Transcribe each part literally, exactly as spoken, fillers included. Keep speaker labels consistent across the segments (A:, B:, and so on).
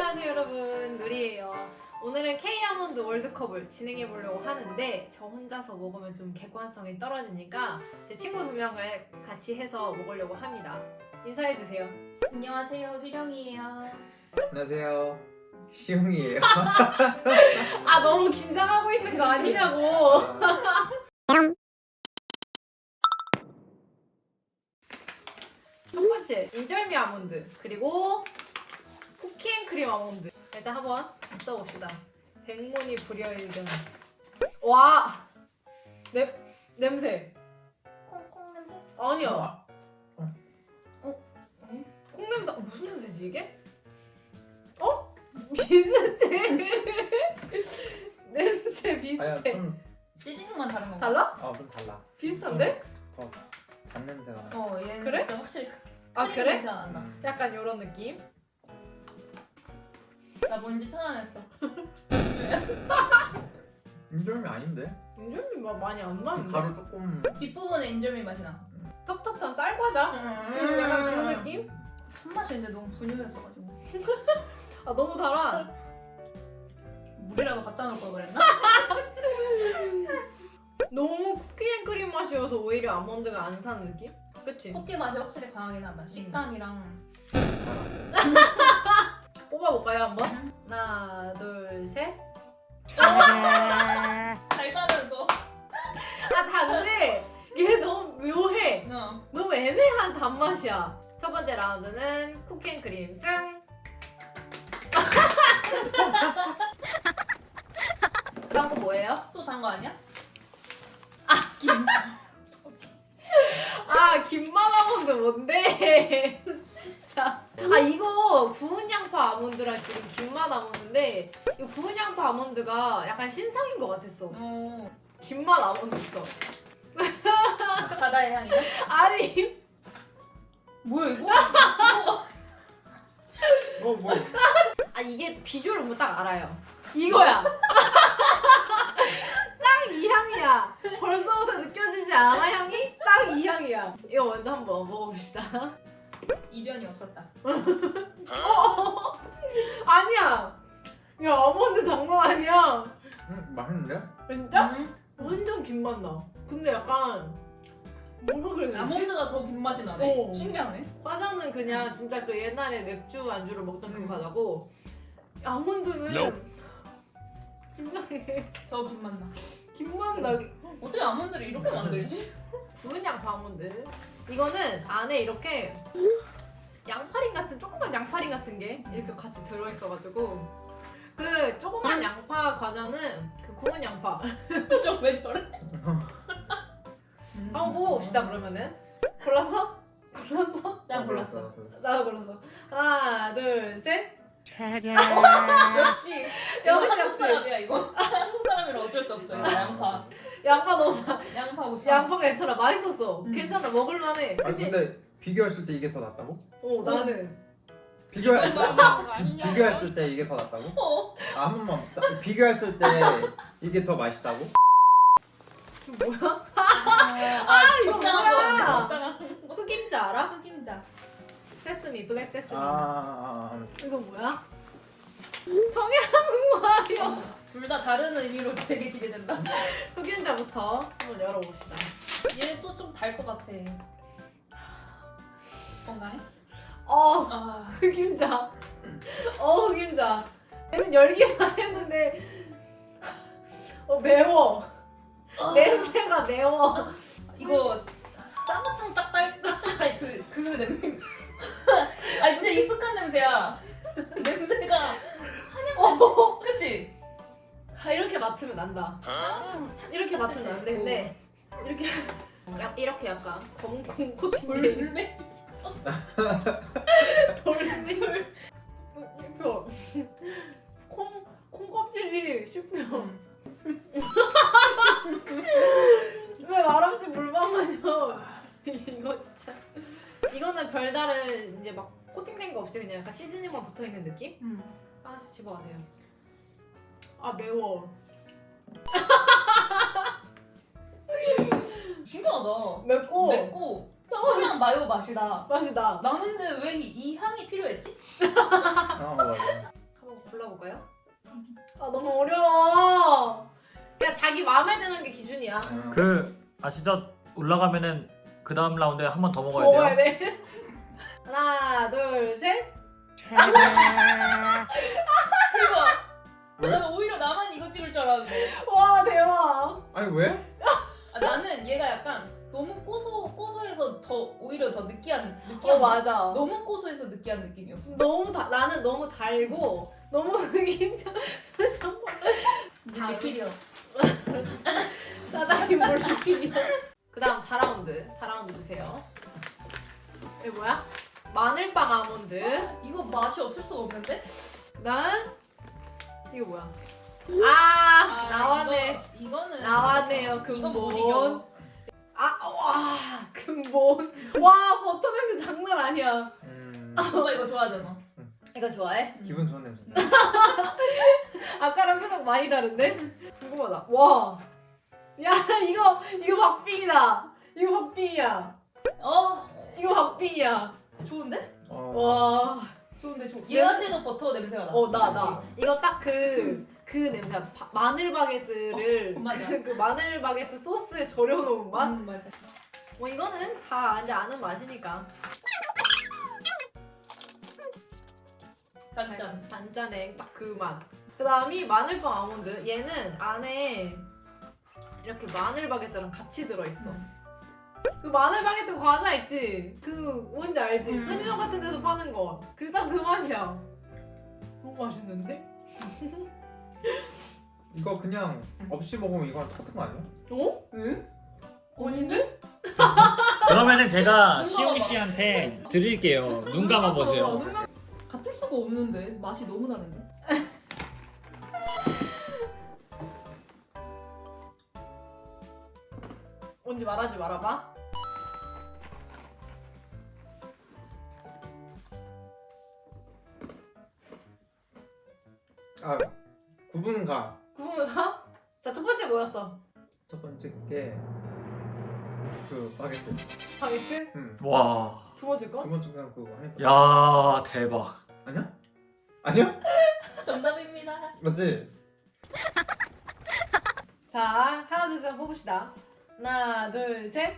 A: 안녕하세요 여러분, 누리예요. 오늘은 K-아몬드 월드컵을 진행해 보려고 하는데 저 혼자서 먹으면 좀 객관성이 떨어지니까 제 친구 두 명을 같이 해서 먹으려고 합니다. 인사해 주세요.
B: 안녕하세요, 휘령이에요.
C: 안녕하세요. 시용이에요.
A: 아 너무 긴장하고 있는 거 아니냐고. 첫 번째 인절미 아몬드, 그리고 쿠키앤크림 아몬드. 일단 한번 써봅시다. 백문이 불여일견. 와! 냄, 냄새.
B: 콩콩 냄새?
A: 아니야.
C: 어.
A: 어? 콩 냄새. 어, 무슨 냄새지 이게? 어? 비슷해. 냄새
C: 아야
A: 비슷해.
C: 좀,
B: 시즈닝만 다른 건가?
A: 달라?
C: 어, 좀 달라.
A: 비슷한데?
C: 더 단냄새가 나.
B: 어, 얘는
A: 그래?
B: 진짜 확실히 크-
A: 아
B: 크림
A: 그래?
B: 냄새가 난다.
C: 음.
A: 약간 요런 느낌?
B: 나 뭔지 찾아냈어.
C: 인절미 아닌데?
A: 인절미 맛 많이 안 나는데?
C: 가루 조금.
B: 뒷부분에 인절미 맛이 나.
A: 텁텁한 쌀과자? 그 약간 그런 느낌?
B: 손맛인데 너무 분유였어가지고
A: 아 너무 달아.
B: 물이라도 갖다 놓을 걸 그랬나?
A: 너무 쿠키앤크림 맛이어서 오히려 아몬드가 안 사는 느낌? 그치?
B: 쿠키 맛이 확실히 강하긴 하다. 식감이랑
A: 뽑아볼까요 한번? 하나 둘 셋.
B: 잘 따면서.
A: 아 단데 얘 너무 묘해.
B: 어.
A: 너무 애매한 단맛이야. 첫 번째 라운드는 쿠키앤크림 승. 그다음 거 뭐예요?
B: 또 단 거 아니야?
A: 아 김맛 아몬드 뭔데? 진짜. 아 이거 구운 양파 아몬드랑 지금 김맛 아몬드인데 이 구운 양파 아몬드가 약간 신상인 것 같았어.
B: 어.
A: 김맛 아몬드 있어.
B: 바다의 향이야?
A: 아니
B: 뭐야 이거? 이거
C: 어 뭐?
A: 아 이게 비주얼 보면 딱 알아요. 이거야. 딱 이 향이야. 벌써부터 느껴지지 않아 향이? 딱 이 향이야. 이거 먼저 한번 먹어봅시다.
B: 이변이 없었다.
A: 어, 아니야. 야 아몬드 장난 아니야.
C: 음 맛있는데?
A: 진짜?
B: 음.
A: 완전 김맛 나. 근데 약간 뭐라 그래야 되지?
B: 아몬드가 더 긴 맛이 나네.
A: 어.
B: 신기하네.
A: 과자는 그냥 진짜 그 옛날에 맥주 안주로 먹던 그
B: 음.
A: 과자고 아몬드는 이상해.
B: 더 긴 맛 나.
A: 김맛 나.
B: 어떻게 아몬드를 이렇게 만들지?
A: 구운 양파 아몬드. 이거는 안에 이렇게 양파링 같은 조그만 양파링 같은 게 이렇게 같이 들어있어가지고 그 조그만 양파 과자는 그 구운 양파.
B: 좀 왜 저래?
A: 한번 먹어봅시다 그러면은. 골랐어? 골랐어?
B: 난 골랐어.
A: 나도 골랐어. 하나 둘 셋.
B: 역시 이거
A: 역시,
B: 한국
A: 역시.
B: 사람이야 이거. 한국 사람이라 어쩔 수 없어. 이거 양파.
A: 양파 너무 많아.
B: 양파 오차.
A: 양파가 괜찮아. 맛있었어.
B: 음.
A: 괜찮아. 먹을만해.
C: 아 근데 비교했을 때 이게 더 낫다고?
A: 어 나는
C: 비교했을 때
B: 아니냐?
C: 비교했을 때 이게 더 낫다고?
B: 어.
C: 아, 한 번만 딱 비교했을 때 이게 더 맛있다고?
A: 뭐야?
B: 아,
A: 이거
B: 적당한 거.
A: 뭐야?
B: 적당한 거.
A: 흑임자 알아?
B: 흑임자.
A: 세스미, 블랙 세스미.
C: 아, 아, 아.
A: 이거 뭐야? 청양고추.
B: 둘 다 다른 의미로 되게 기대된다.
A: 흑임자부터 한번 열어봅시다.
B: 얘 또 좀 달 것 같아. 건강해?
A: 어,
B: 아.
A: 흑임자. 어, 흑임자. 얘는 열기만 했는데 어 매워. 냄새가 매워.
B: 이거 쌍화탕 딱 딸- 땄을 때그 그 냄새. 아 진짜 익숙한 냄새야. 냄새가
A: 어,
B: 그치?
A: 아, 이렇게 맡으면 난다. 이렇게 맡으면 나는데 근데 이렇게 약 이렇게 약간 검은 코팅돼 있는
B: 물매?
A: 돌돌 씹혀. 콩 콩껍질이 씹혀. 왜 말없이 물만 마셔? 이거 진짜. 이거는 별다른 이제 막 코팅된 거 없이 그냥 약간 시즈닝만 붙어 있는 느낌?
B: 음.
A: 하나씩 집어가세요. 아 매워.
B: 신기하다.
A: 맵고
B: 맵고
A: 서
B: 청양 마요 맛이다.
A: 맛이 나.
B: 나는데 왜 이 향이 필요했지?
C: 아 맞아.
A: 자기 마음에 드는 게 기준이야.
C: 음.
D: 그 아시죠? 올라가면은 그 다음 라운드에 한 번 더 먹어야
A: 먹어야
D: 돼요.
A: 돼. 하나, 둘, 셋.
B: 대박.
C: 왜?
B: 나 오히려 나만 이거 찍을 줄 알았는데.
A: 와, 대박.
C: 아니 왜?
B: 아, 나는 얘가 약간 너무 고소 고소해서 더 오히려 더 느끼한 느끼한.
A: 어, 맞아.
B: 너무 고소해서 느끼한 느낌이었어.
A: 너무 다, 나는 너무 달고 너무 긴장. 정말
B: 리필이요.
A: 사장님 뭘 리필이야. 그다음 사 라운드. 사 라운드 주세요. 이게 뭐야? 마늘빵 아몬드.
B: 이거 맛이 없을 수가 없는데?
A: 그다음 이거 뭐야? 아, 나왔네.
B: 이거, 이거는
A: 나왔네요.
B: 이거 못
A: 근본.
B: 이겨.
A: 아, 와, 근본. 와, 버터 냄새 장난 아니야.
C: 음,
B: 오빠 이거 좋아하잖아.
A: 이거 좋아해?
C: 기분 좋은 냄새.
A: 아까랑 표정 많이 다른데? 궁금하다. 와, 야, 이거 이거 박빙이다. 이거 박빙이야.
B: 어
A: 이거 박빙이야.
B: 좋은데?
C: 어.
A: 와,
B: 좋은데 좋. 얘한테도 버터 냄새가 나.
A: 어, 나,
B: 그치?
A: 나. 이거 딱 그, 그 냄새야. 바, 마늘 바게트를,
B: 어, 맞아.
A: 그, 그 마늘 바게트 소스에 절여놓은 맛?
B: 음, 맞아.
A: 뭐 이거는 다 이제 아는 맛이니까.
B: 단짠.
A: 단짠의 딱 그 맛. 그 다음이 마늘빵 아몬드. 얘는 안에 이렇게 마늘 바게트랑 같이 들어있어.
B: 음.
A: 그 마늘 바게트 과자 있지? 그 뭔지 알지?
B: 음.
A: 편의점 같은 데서 파는 거. 그 딱 그 맛이야. 너무 맛있는데?
C: 이거 그냥 없이 먹으면 이거랑 똑같은 거 아니야?
A: 어?
B: 응?
A: 아닌데?
D: 그러면은 제가
A: 눈
D: 시용
A: 감아봐.
D: 씨한테 드릴게요. 눈 감아 보세요.
A: 눈 감아.
B: 같을 수가 없는데 맛이 너무 다른데.
A: 뭔지 말하지 말아봐.
C: 아, 구분가.
A: 구분가? 자, 첫 번째 뭐였어?
C: 첫 번째 게 그 바게트.
A: 바게트?
C: 응.
D: 와,
A: 두 번째 거?
C: 두 번째 그냥 그거 하니까.
D: 야 대박.
C: 아니야? 아니야?
B: 정답입니다.
C: 맞지?
A: 자, 하나, 둘, 셋 뽑읍시다. 하나, 둘, 셋.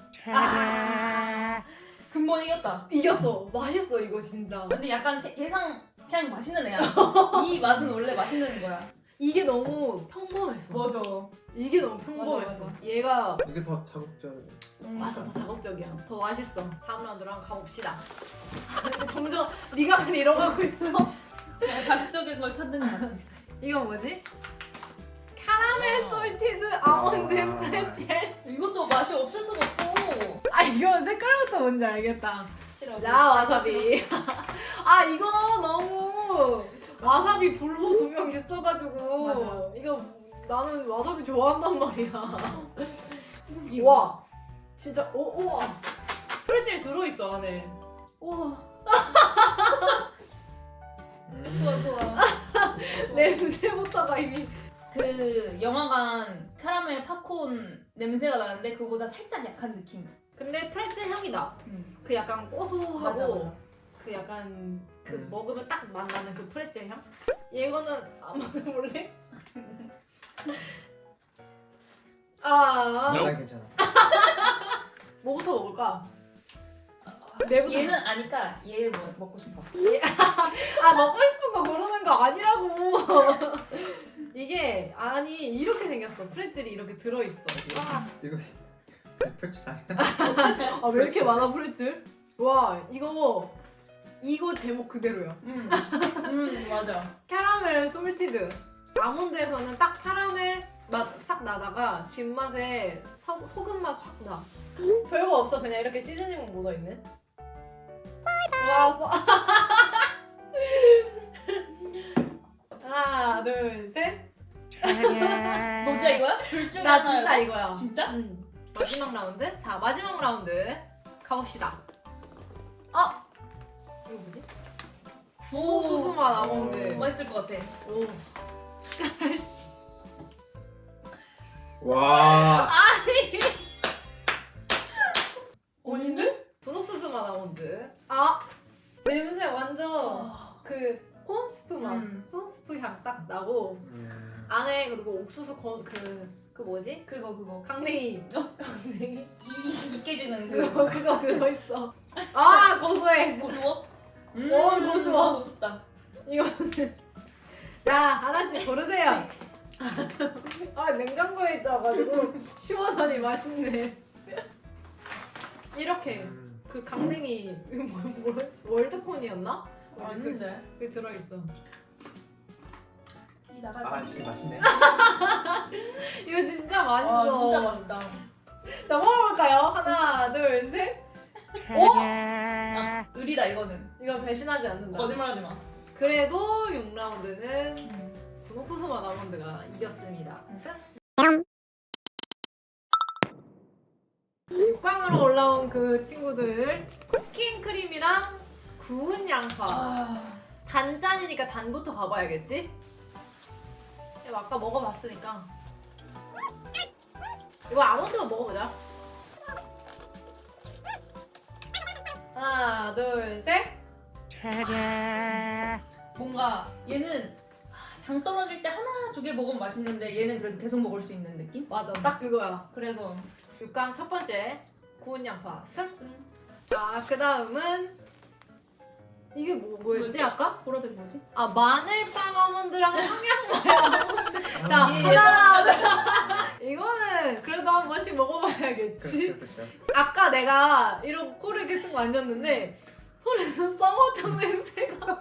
A: 아,
B: 근본 이겼다.
A: 이겼어. 맛있어, 이거 진짜.
B: 근데 약간 세- 예상 그냥 맛있는 애야. 이 맛은 원래 맛있는 거야.
A: 이게 너무 평범했어.
B: 맞아.
A: 이게 너무 평범했어.
B: 맞아,
A: 얘가
C: 이게 더 자극적이야.
A: 맞아, 더 자극적이야. 더 맛있어. 다음 라운드로 한번 가봅시다. 점점 네가 이러고 있어.
B: 그냥 자극적인 걸 찾는 거 같아.
A: 이건 뭐지? 카라멜 솔티드 아몬드
C: 아.
A: 프레첼.
B: 이것도 맛이 없을 수가 없어.
A: 아, 이거 색깔부터 뭔지 알겠다.
B: 싫어.
A: 자, 와사비. 아, 이거 너무 와사비 불호 두 명 있어가지고
B: 맞아.
A: 이거 나는 와사비 좋아한단 말이야.
B: 이거.
A: 와, 진짜 오, 우와. 프레첼 들어있어 안에.
B: 우와.
C: 음.
B: 좋아 좋아.
A: 냄새부터가 이미.
B: 그 영화관 카라멜 팝콘 냄새가 나는데 그거보다 살짝 약한 느낌.
A: 근데 프레첼 향이 나.
B: 음.
A: 그 약간 고소하고
B: 맞아 맞아.
A: 그 약간 그
C: 음.
A: 먹으면 딱 맛나는 그 프레첼 향? 얘거는 안 먹어볼래? 아,
C: 난 괜찮아.
A: 뭐부터 먹을까? 내부터.
B: 얘는 아니까 얘 뭐, 먹고 싶어.
A: 아, 먹고 싶은 거 고르는 거 아니라고. 이게 아니 이렇게 생겼어. 프레첼이 이렇게 들어있어. 와,
C: 이거 펼치 아니야?
A: 아, 왜 이렇게 많아 프레첼? 와, 이거 이거 제목 그대로야.
B: 음. 음 맞아.
A: 캐러멜 솔티드. 아몬드에서는 딱 캐러멜 맛 싹 나다가 뒷맛에 소, 소금 맛 확 나. 별거 없어. 그냥 이렇게 시즈닝만 묻어있네. 와, 써. 하나, 둘, 셋.
B: 너 진짜 이거야? 둘 중에
A: 나
B: 하나야?
A: 진짜 이거야.
B: 진짜?
A: 응. 마지막 라운드? 자, 마지막 라운드 가봅시다. 어? 이거 뭐지? 구워 수수맛 아몬드.
B: 맛있을 것 같아.
A: 오.
C: 와.
A: 아닌데? 분홍수수맛 아몬드. 아, 냄새 완전 그 콘스프 맛.
B: 음.
A: 콘스프 향 딱 나고
C: 음.
A: 안에 그리고 옥수수 건, 그, 그 그 뭐지?
B: 그거 그거
A: 강냉이. 강냉이.
B: 이 으깨지는
A: 그거
B: 그
A: 그거 들어있어. 아 고소해.
B: 고소워? 음,
A: 오, 고소워.
B: 고소다.
A: 이거는 자 하나씩 고르세요. 아 냉장고에 있어가지고 시원하니 맛있네. 이렇게 그 강냉이 뭐, 뭐였지? 월드콘이었나?
B: 아닌데.
A: 그게 들어있어.
B: 이 나갈
C: 아씨 맛있네.
A: 이거 진짜 맛있어.
B: 아 진짜 맛있다.
A: 자 먹어볼까요? 하나 둘 셋.
B: 아, 의리다 이거는.
A: 이건 배신하지 않는다.
B: 거짓말하지 마.
A: 그래도 육 라운드는 분홍수수맛 아몬드가 이겼습니다. 승. 육 강으로 올라온 그 친구들 쿠킹크림이랑 구운 양파.
B: 아,
A: 단짠이니까 단부터 가봐야겠지? 이거 아까 먹어봤으니까 이거 아몬드만 먹어보자. 하나 둘 셋.
B: 뭔가 얘는 당 떨어질 때 하나 두 개 먹으면 맛있는데 얘는 그래도 계속 먹을 수 있는 느낌?
A: 맞아 딱 그거야.
B: 그래서
A: 육 강 첫 번째 구운 양파 승.
B: 승.
A: 자 그 다음은 이게 뭐, 뭐였지
B: 뭐였지?
A: 아까?
B: 보라색 뭐지?
A: 아 마늘빵 아몬드랑 청양마요 아몬드. 자
B: 이게
A: 하나 이거는 그래도 한 번씩 먹어봐야겠지.
C: 그렇죠 그렇죠.
A: 아까 내가 이러고 코를 계속 만졌는데 손에서 쌍화탕 냄새가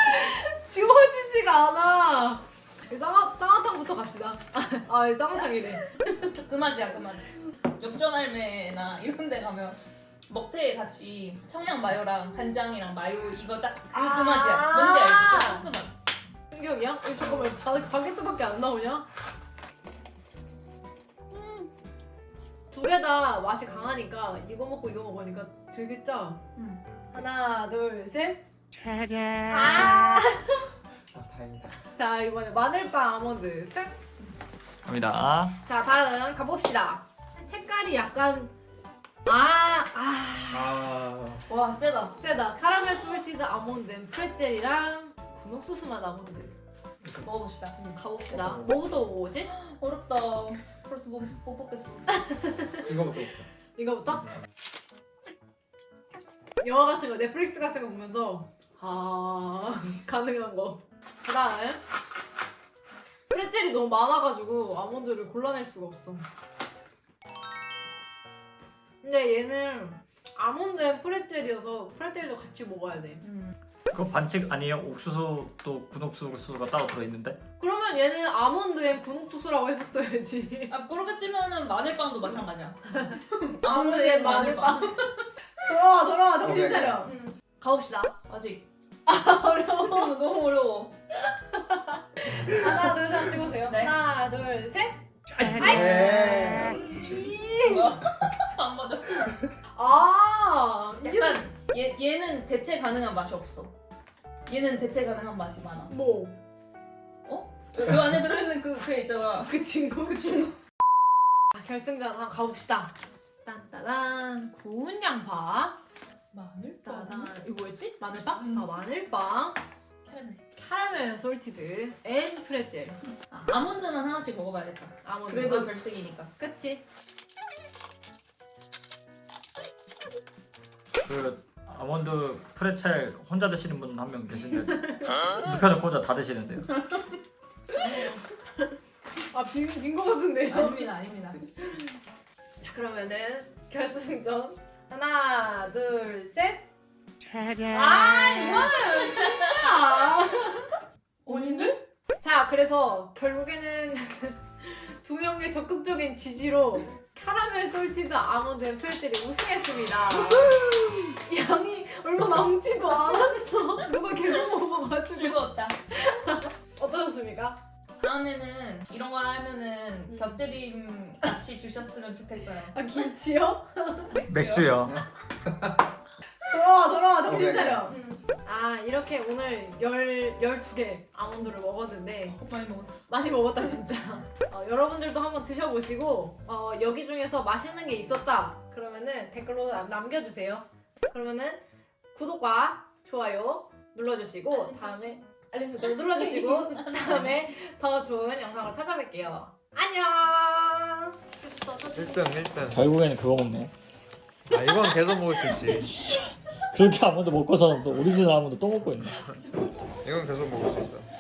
A: 지워지지가 않아. 쌍화, 쌍화탕부터 갑시다. 아 쌍화탕이래.
B: 그 맛이야 그 맛. 역전할매나 이런 데 가면 먹태에 같이 청양 마요랑 간장이랑 마요 이거 딱 그
A: 아~
B: 맛이야. 뭔지 알지? 그 소스 맛.
A: 충격이야? 어, 잠깐만 바, 바게트밖에 안 나오냐? 두 개 다 맛이 강하니까 이거 먹고 이거 먹으니까 되게 짜.
B: 음.
A: 하나 둘 셋. 아!
C: 아 다행이다.
A: 자 이번에 마늘빵 아몬드 승.
D: 갑니다.
A: 자 다음 가봅시다. 색깔이 약간 아, 아,
C: 아
B: 와 세다.
A: 세다. 카라멜 솔티드 아몬드 앤 프레첼이랑 분홍수수맛 아몬드.
B: 먹어봅시다.
A: 음, 가봅시다. 뭐부터 먹어보지?
B: 어렵다. 벌써 못, 못 먹겠어.
C: 이거부터.
A: 이거부터? 영화 같은 거, 넷플릭스 같은 거 보면서 아 가능한 거. 그 다음 프레첼이 너무 많아가지고 아몬드를 골라낼 수가 없어. 근데 얘는 아몬드 앤 프레첼이어서 프레첼도 같이 먹어야 돼.
B: 음.
D: 그거 반칙 아니에요? 옥수수 또 군옥수수가 따로 들어있는데?
A: 그러면 얘는 아몬드 앤 군옥수수라고 했었어야지.
B: 아 그렇게 치면은 마늘빵도 마찬가지야.
A: 아몬드
B: 아몬드에
A: 앤 마늘빵. 돌아와 돌아와 정신
C: 오케이,
A: 차려.
B: 음.
A: 가봅시다.
B: 아직
A: 어려워.
B: 너무 어려워.
A: 하나 둘 셋 찍으세요.
B: 네.
A: 하나 둘 셋.
C: 네.
B: 뭐야? 안 맞아.
A: 아 이게
B: 약간 얘 얘는 대체 가능한 맛이 없어. 얘는 대체 가능한 맛이 많아.
A: 뭐?
B: 이 안에 들어있는 그 그 있잖아.
A: 그 친구?
B: 그 친구.
A: 아, 결승전 한번 가봅시다. 딴따단 구운 양파.
B: 마늘빵.
A: 따단 이거 뭐였지? 마늘빵?
B: 음.
A: 아 마늘빵.
B: 캐러멜.
A: 카라멜 솔티드 앤 프레첼.
B: 아, 아몬드만 하나씩 먹어봐야겠다.
A: 아몬드.
B: 그래도 결승이니까.
A: 그치?
D: 그 아몬드 프레첼 혼자 드시는 분 한 명 계신데 눕혀놓고 혼자 다 드시는데요.
A: 아빈빈거 같은데요?
B: 아닙니다, 아닙니다.
A: 자 그러면은 결승전 하나 둘 셋. 아 이거는 진짜 원인데? 자 그래서 결국에는 두 명의 적극적인 지지로 카라멜 솔티드 아몬드 앤 프레첼이 우승했습니다. 양이 얼마 남지도 않았어. 누가 계속 먹어가지고.
B: 즐거웠다.
A: 어떠셨습니까?
B: 다음에는 이런 거 하면은 곁들임 같이 주셨으면 좋겠어요.
A: 아 김치요?
D: 맥주요.
A: 돌아와 돌아와 정신 차려.
B: 음,
A: 아 이렇게 오늘 열, 열두 개 아몬드를 먹었는데
B: 많이 먹었다.
A: 많이 먹었다 진짜. 어, 여러분들도 한번 드셔보시고 어, 여기 중에서 맛있는 게 있었다 그러면은 댓글로 남- 남겨주세요. 그러면은 구독과 좋아요 눌러주시고 다음에 알림 설정 눌러주시고 다음에 더 좋은 영상으로 찾아뵐게요. 안녕.
C: 일 등 일 등.
D: 결국에는 그거 먹네.
C: 아 이건 계속 먹을 수 있지.
D: 그렇게 아몬드 먹고서는 또 오리지널 아몬드 또 먹고 있네.
C: 이건 계속 먹을 수 있어.